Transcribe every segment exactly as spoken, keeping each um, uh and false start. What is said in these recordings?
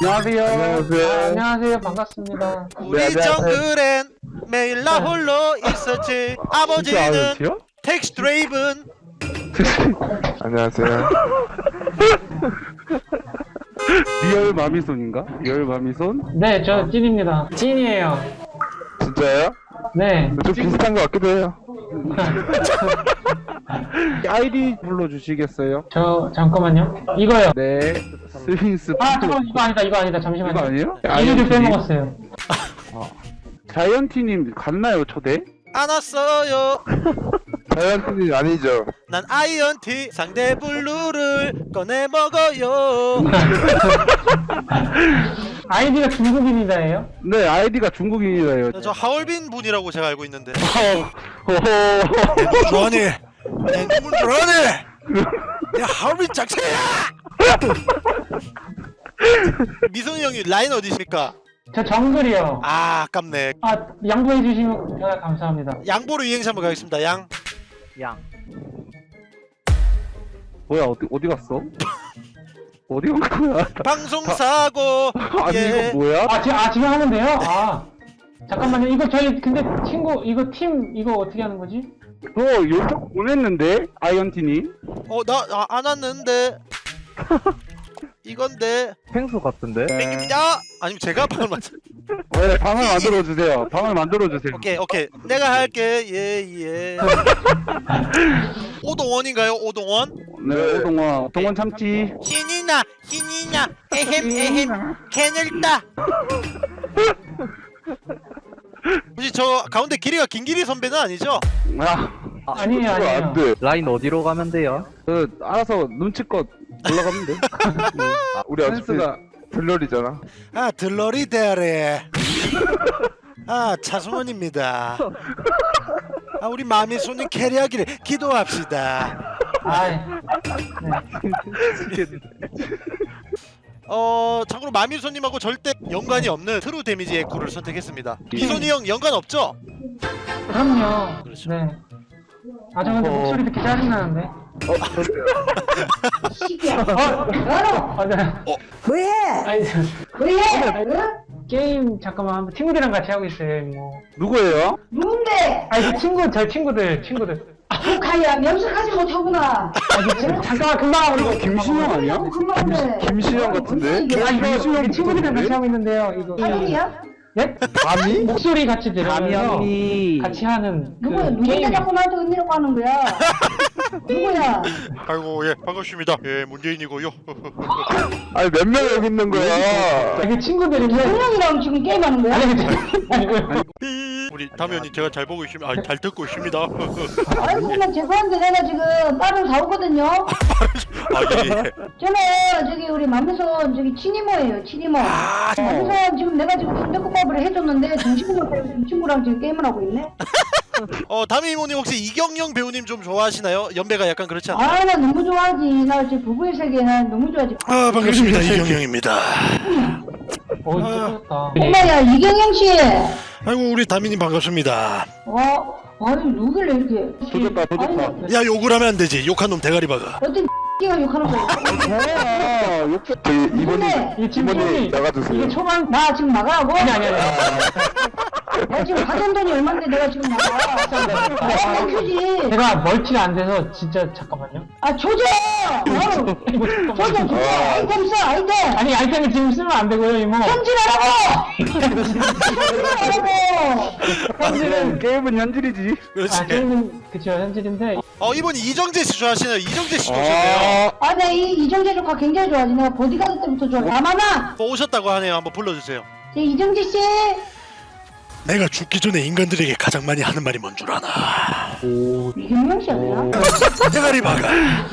안녕하세요. 안녕하세요. 아, 안녕하세요. 반갑습니다. 우리 네, 안녕하세요. 정글엔 매일 나 홀로 있었지. 아버지는 텍스 드레이븐. 안녕하세요. 리얼 마미손인가? 리얼 마미손? 네, 저 찐입니다. 찐이에요. 진짜요? 네. 좀 비슷한 것 같기도 해요. 아이디 불러주시겠어요? 저 잠깐만요. 이거요. 네. 스윙스. 아 잠깐만 이거 아니다. 이거 아니다. 잠시만요. 이거 아니에요? 이름을 빼먹었어요. 아. 자이언티님 갔나요 초대? 안 왔어요. 자이언트님 아니죠? 난 아이언티 상대 블루를 꺼내 먹어요. 아이디가 중국인이다예요? 네, 아이디가 중국인이다예요. 저 하얼빈 분이라고 제가 알고 있는데. 호호. 좋아하니? 내 눈물 좋아하니? 내 하얼빈 작세야! 미성이 형이 라인 어디십니까? 저 정글이요. 아 아깝네. 아 양보해 주시면 정말 감사합니다. 양보로 이행시 한번 가겠습니다. 양. 양. 뭐야 어디 어디 갔어? 어디 간 거야? 방송 사고. 아니 예. 이거 뭐야? 아 지금 아 지금 하는데요? 아 잠깐만요. 이거 저희 근데 친구 이거 팀 이거 어떻게 하는 거지? 저 요청 보냈는데 아이언티님. 어나 안 왔는데. 이건데. 펭수 같은데? 땡깁니다. 아니면 제가 방을 맞. 네, 방을 만들어 주세요. 방을 만들어 주세요. 오케이 오케이 내가 할게. 예예. 오동원인가요? 오동원? 네, 오동원 오동원 참치. 신이 나 신이 나 에헴 에헴 캔을 따. 혹시 저 가운데 길이가 김길이 선배는 아니죠? 아 아니에요 그거 아니에요. 안 돼. 라인 어디로 가면 돼요? 그 알아서 눈치껏 올라가면 돼. 아, 우리 어차피 센스가 들러리잖아. 아 들러리 대아래. 아 차승원입니다. 아 우리 마미 손님 캐리하기를 기도합시다. 아 네. 어 참고로 마미 손님하고 절대 연관이 없는 트루 데미지 에코를 선택했습니다. 미손이 형 연관 없죠? 그럼요. 그렇죠. 네. 아 저 근데 목소리 듣기 짜증 나는데. 어, 저도요. 어, 맞아요. 뭐해? 아니 저- 뭐해? 게임 잠깐만 한번 친구들이랑 같이 하고 있어요. 뭐 누구예요? 누군데? 아니 그 친구 저 친구들 친구들. 북한이야 명석하지 못하구나. 아니 지- 잠깐만 금방 하고 이거 김신영 아니야? 너무 금방 해. 김신영 같은데? 이게 아니 무슨 이거 친구들이랑 같이 하고 있는데요. 이거. 사람이야? 네? 감히? 목소리 같이 들으면서 감이 같이 하는 그 누구야? 누군데 게임. 자꾸 나한테 은혜라고 하는 거야? 누구야? 아이고 예 반갑습니다. 예 문재인이고요. 아니 몇 명 여기 있는 거야? 아, 그 친구들인데. 분명이랑 지금 게임하는 거야? 아니 그 아니고요. 우리 담연이 제가 잘 보고 있습니다. 아, 잘 듣고 있습니다. 아이고 나 죄송한데 내가 지금 딸을 사오거든요. 아 예. 예. 저는 저기 우리 맘에서 저기 친이모예요 친이모. 맘에서 지금 내가 지금 순대국밥을 해줬는데 정신을 못 차리고 이 친구랑 지금 게임을 하고 있네. 어 담임 이모님 혹시 이경영 배우님 좀 좋아하시나요? 연배가 약간 그렇지 않나요? 아 나 너무 좋아하지. 나 지금 부부의 세계 난 너무 좋아하지. 아 반갑습니다 이경영입니다. 어 이거 엄마야 이경영 씨. 아이고 우리 담임님 반갑습니다. 어, 아니 누굴래 이렇게? 도졌다, 도졌다. 아니, 야 욕을 하면 안 되지. 욕한 놈 대가리 박아. 어떤 X가 욕하는 거야? 뭐야? 욕 저희 이모님 근데 이 친구들이 이모님 나가주세요. 이게 초반 나 지금 나가라고? 아니 아니 아니. 나 지금 가전 돈이 얼마인데 내가 지금 나가? 내가 큐지. 제가 멀티가 안 돼서 진짜 잠깐만요. 아 조져. 어우, 조져 조져. 아이템 써 아이템. 아니 아이템을 지금 쓰면 안 되고요 이모. 현질하라고. 현질하라고. 현질은 게임은 현질이지. 그렇지. 아 게임은 그쵸 현질인데. 어 이분이 이정재 씨 좋아하시나요? 이정재 씨 오셨네요. 아, 나 이 이정재 조카 굉장히 좋아하지. 내가 보디가드 때부터 좋아. 가만아. 뭐 오셨다고 하네요. 한번 불러주세요. 제 이정재 씨. 내가 죽기 전에 인간들에게 가장 많이 하는 말이 뭔 줄 아나? 이경영 씨 아니야? 대가리 박아.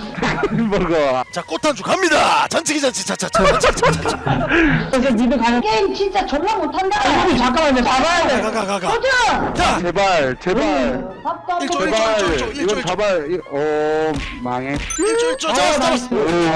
먹어. 자 꽃한주 갑니다. 잔치기 잔치 차차차 잔치기 차차차. 그래서 미드 가는. 게임 진짜 졸라 못한다. 아니 잠깐만요. 잡아야 돼. 가가가가. 조져. 자 제발 제발 밥도 안 일조, 먹고. 일조, 제발 일조, 일조, 이건 일조. 잡아. 이- 어 망해. 일조 일조 잡았어 잡았어.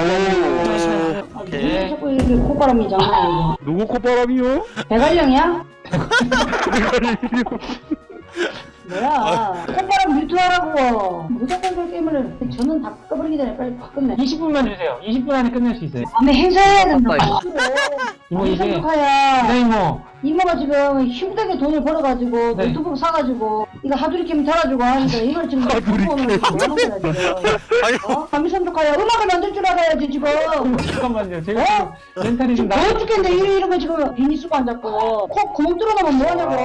오. 왜 자꾸 이렇게 콧바람이 장난이야. 누구 콧바람이요? 대관령이야? 뭐야? 콧바람 뮤트하라고. 무조건 그 게임을 저는 다 꺼버리기 전에 빨리 확 끝내. 이십 분만 주세요. 이십 분 안에 끝낼 수 있어요. 밤에 행사해야 된다. 이모 이제 이모야. 네 이모. 이모가 지금 힘들게 돈을 벌어가지고 네. 노트북 사가지고 이거 하두리 캠 달아주고 하니까 이걸 지금 갖고 오면 뭐하는 거야 지금. 아니 어? 감히 선족하야 음악을 만들 줄 알아야지 지금. 잠깐만요. 제가 어? 지금 멘탈이 좀 나. 더워 죽겠는데 이러, 이러면 지금 비니 쓰고 앉았고 코 구멍 뚫어놓으면 뭐하냐고.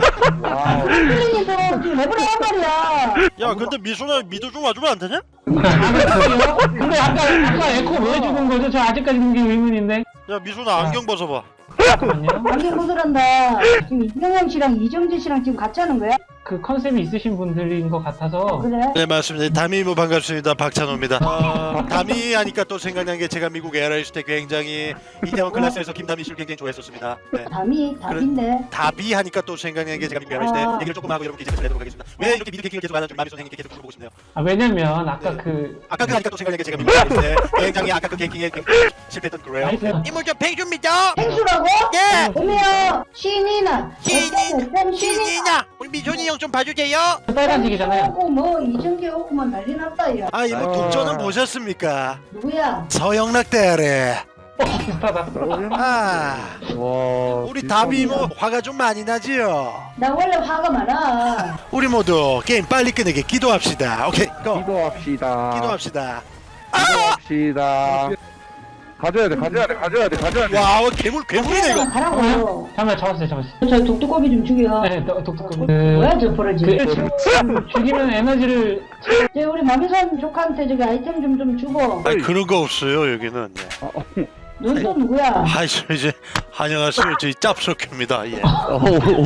필리님도 지금 랩을 한 말이야. 야 근데 미소나 미도 좀 와주면 안 되냐? 아, 근데 아까 아까 에코 왜 죽은 거죠? 저 아직까지 그게 의문인데. 야 미소나 안경 벗어봐. 잠깐만요. 안경 벗으란다. 지금 이병영 씨랑 이정재 씨랑 지금 같이 하는 거야? 그 컨셉이 있으신 분들인 것 같아서. 그래? 네 맞습니다. 다미모 반갑습니다. 박찬호입니다. 어, 다미 하니까 또 생각난 게 제가 미국 에어라이스 때 굉장히 이태원 클래스에서 김다미 씨를 굉장히 좋아했었습니다. 네. 답이 답인데. 다비 하니까 또 생각난 게 제가 미국 에어라이스 때 아. 얘기를 조금 하고 여러분께 이제 내도록 하겠습니다. 왜 이렇게 미드 캐킹을 계속 하는지 마미 선생님께 계속 물어보고 싶네요. 아 왜냐면 아까 네. 그 아까 그 하니까 또 생각난 게 제가 미국 에어라이스 때 굉장히 아까 그 캐킹에 실패했던 그래요. 나이스. 이모 저 팽줍니다. 행수라고? 예. 오메요 신이나 신이 신이냐 우리 미소니 형 좀 봐주세요. 빨간색이잖아요. 오고 뭐 이정재 오고만 난리 났다 야. 아 이모 독전은 보셨습니까? 누구야? 서영락 대아래. 어, 비슷하다. 아 와. 우리 진짜 다비 뭐 화가 좀 많이 나지요. 나 원래 화가 많아. 우리 모두 게임 빨리 끝내게 기도합시다. 오케이 고 기도합시다. 기도합시다. 기도합시다. 가져야 돼, 가져야 돼, 가져야 돼, 가져야 돼. 와 괴물 괴물이네 이거. 가라고. 잠깐만 잡았어요, 잡았어요. 저 독두꺼비 좀 죽여. 네, 독특한. 그, 뭐야 저 버러지. 그 죽이면 에너지를 저 우리 마미선 조카한테 저기 아이템 좀 좀 주고. 아니 그런 거 없어요 여기는. 예. 넌 또 누구야? 아이 저 이제 안녕하세요 저희 짭석입니다. 예. 어,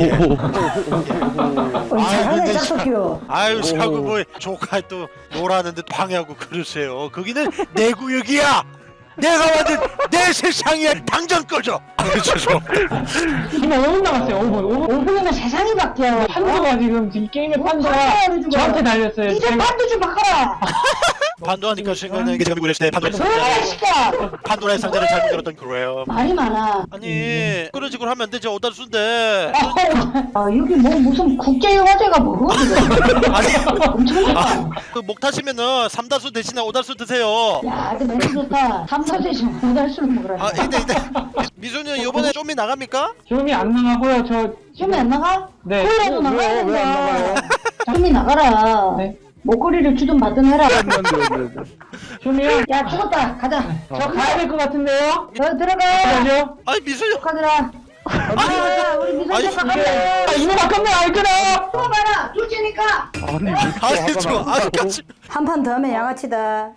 잘하네 근데 짝석이요. 아유 자꾸 뭐 조카 또 놀았는데 방해하고 그러세요. 거기는 내 구역이야. 내가 만든 내 세상이야. 당장 꺼져. 아유 죄송합니다. 지금 오 분 남았어요. 오 분. 오 분. 오 분이면 세상이 바뀌어. 판도가 지금 이 게임의 판도가 판도를 주고. 저한테 달렸어요. 이제 제가- 판도 좀 바꿔라. 판도하니까 생각나는 게 제가 미국에 있을 때 판도의 뭐야 상자 이 새끼야. 판도라의 상자를 잘못 열었던 그래요. 말이 많아. 아니 그런 식으로 하면 안 되죠. 오달수인데. 아 여기 뭐 무슨 국제 화제가 뭐 아니 엄청 아, 좋다. 그 목 타시면은 삼다수 대신에 오달수 드세요. 야, 그 멘트 좋다. 삼사세 좀 오달수를 먹으라. 아 근데 근데 미소는 이번에 좀이 나갑니까? 좀이 안 나가고요. 저 좀이 안 나가? 네. 콜라도 나가야 왜요? 왜안 나가요? 된다. 좀이 나가라. 네. 목걸이를 주든 받든 해라. 좀이요. 야, 죽었다. 가자. 저 가야 될 것 같은데요. 너 들어가. 가죠. 아니 미소님 가더라. 아, 우리 미선 아니, 작가 이게- 간다. 아, 이거 바꿨네. 알거나. 또 봐라. 둘째니까. 아니, 아니 저 아직까지 한 판 더 하면 양아치다.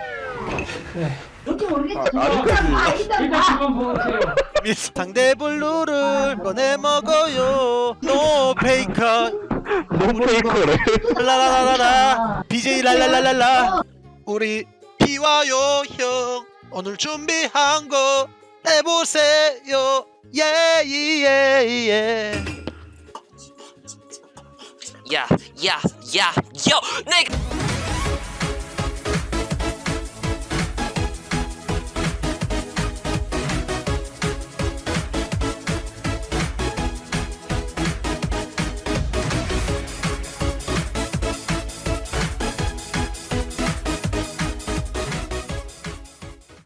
뭔지 모르겠지. 아, 아직까지. 아, 일단 일단 봐. 한번 보세요. 미스 상대 블루를 꺼내 먹어요. 노 페이커 너무 페이커래. 라라라라라 비제이 랄랄랄랄라 우리 비와요 형 오늘 준비한 거 해보세요 예예예 야, 야, 야, 요, 내가